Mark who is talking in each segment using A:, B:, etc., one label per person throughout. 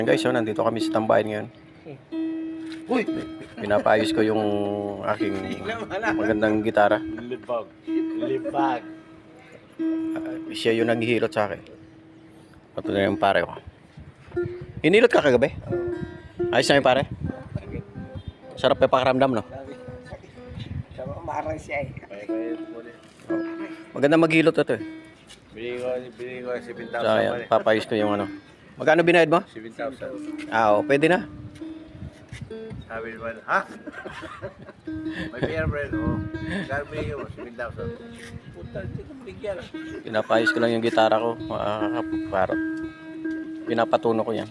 A: Guys, so nandito kami sa tambayan ngayon.
B: Uy!
A: Pinapaayos ko yung aking magandang gitara.
B: Libag. Libag.
A: Siya yung naghihilot sa akin. Ito na yung pare ko. Hinilot ka kagabi? Ayos na yung pare? Sarap yung pakiramdam, no?
C: Marang siya eh.
A: Maganda maghilot ito eh.
B: Bili ko 7,000.
A: So, ayan, papayos ko yung ano. Magkano binayad mo?
B: 7,000.
A: Oo, pwede na.
B: Sabi naman, ha? May pera friend, oh. Kaya bili mo, 7,000. Puta, hindi ko binigyan.
A: Pinapayos ko lang yung gitara ko. Para pinapatuno ko yan.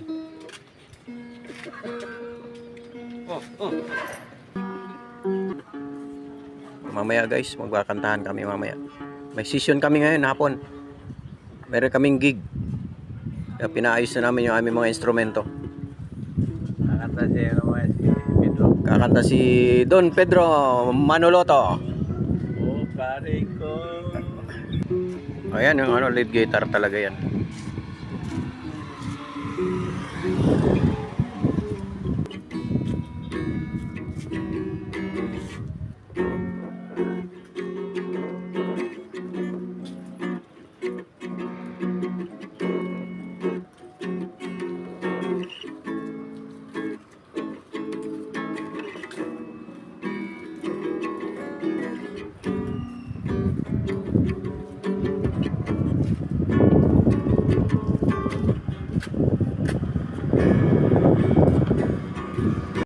A: Mamaya guys, magkakantahan kami mamaya. May session kami ngayon, hapon. Meron kaming gig. Kaya pinaayos na namin yung aming mga instrumento.
B: Kakanta siya naman si Pedro.
A: Kakanta si Don Pedro Manoloto.
B: Oh, pare ko.
A: Ayan yung ano, lead guitar talaga yan.